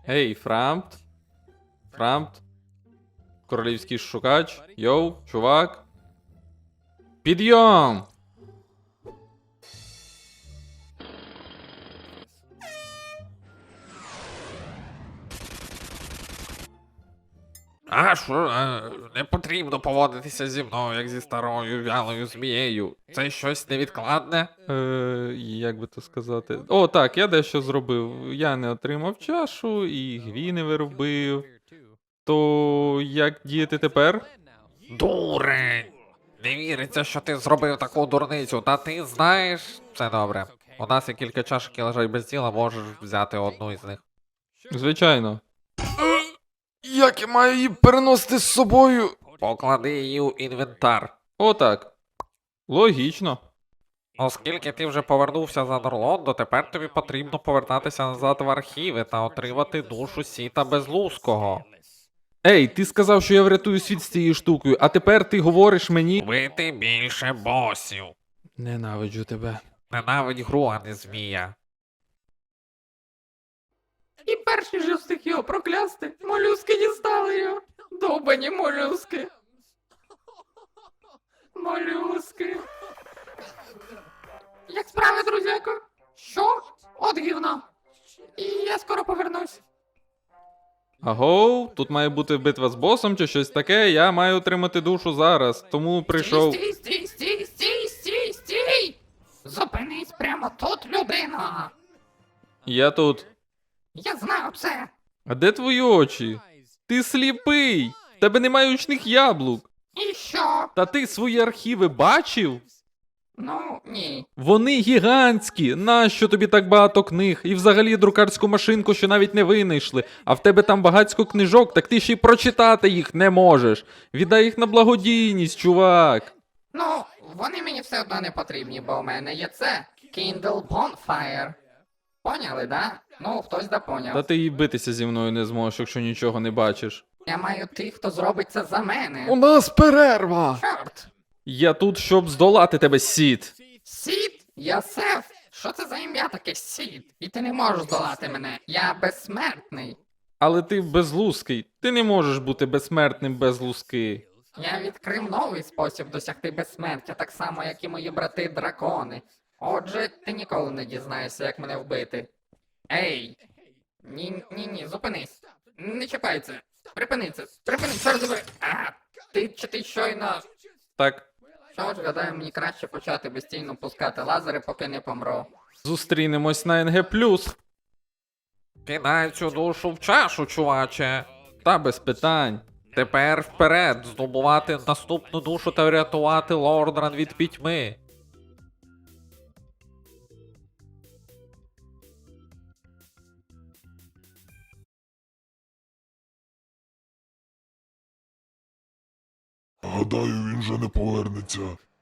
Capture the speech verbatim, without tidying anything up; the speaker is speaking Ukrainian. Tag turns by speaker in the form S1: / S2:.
S1: Гей, Фрампт. Фрампт. Королівський шукач. Йоу, чувак. Підйом!
S2: А що, е, не потрібно поводитися зі мною, як зі старою вялою змією. Це щось невідкладне?
S1: Е, як би то сказати. О, так, я дещо зробив. Я не отримав чашу і гві не виробив. То як діяти тепер?
S2: Дурень! Не віриться, що ти зробив таку дурницю, та ти знаєш. Все добре. У нас є кілька чашок, які лежать без діла, можеш взяти одну із них.
S1: Звичайно.
S3: Як я маю її переносити з собою?
S2: Поклади її у інвентар.
S1: О, так. Логічно.
S2: Оскільки ти вже повернувся за Норлондо, тепер тобі потрібно повертатися назад в архіви та отримати душу Сіта Безлузького.
S1: Ей, ти сказав, що я врятую світ з цією штукою, а тепер ти говориш мені.
S2: Вбити більше босів.
S1: Ненавиджу тебе.
S2: Ненавидь гру, а не змія.
S4: І перший же встиг його проклясти. Молюски дістали його. Довбані молюски. Молюски. Як справи, друзяко? Що? От гівно. І я скоро повернусь.
S1: Агоу, тут має бути битва з босом чи щось таке, я маю отримати душу зараз, тому прийшов.
S4: Стій, стій, стій, стій, стій, стій! Зупинись прямо тут, людина!
S1: Я тут.
S4: Я знаю це!
S1: А де твої очі? Ти сліпий! В тебе немає очних яблук.
S4: І що?
S1: Та ти свої архіви бачив?
S4: Ну, ні.
S1: Вони гігантські. Нащо тобі так багато книг? І взагалі друкарську машинку, що навіть не винайшли. А в тебе там багатько книжок, так ти ще й прочитати їх не можеш. Віддай їх на благодійність, чувак.
S4: Ну, вони мені все одно не потрібні, бо у мене є це. Kindle Bonfire. Поняли, да? Ну, хтось да поняв.
S1: Та ти і битися зі мною не зможеш, якщо нічого не бачиш.
S4: Я маю тих, хто зробить це за мене.
S3: У нас перерва!
S4: Чорт!
S1: Я тут, щоб здолати тебе, Сід.
S4: Сід? Я Сеф? Що це за ім'я таке Сід? І ти не можеш здолати мене. Я безсмертний.
S1: Але ти безлузкий. Ти не можеш бути безсмертним без луски.
S4: Я відкрив новий спосіб досягти безсмертя, так само, як і мої брати-дракони. Отже, ти ніколи не дізнаєшся, як мене вбити. Ей! Ні, ні, ні, зупинись. Не чіпай це. Припини це. Припини, чорт забери. А, ти чи ти щойно...
S1: Так,
S4: Що ж, гадаю, мені краще почати безстійно пускати лазери, поки не помру.
S1: зустрінемось на ен ге плюс.
S2: Кидай цю душу в чашу, чуваче.
S1: Та без питань.
S2: Тепер вперед, здобувати наступну душу та врятувати Лордран від пітьми.
S5: Гадаю, він вже не повернеться.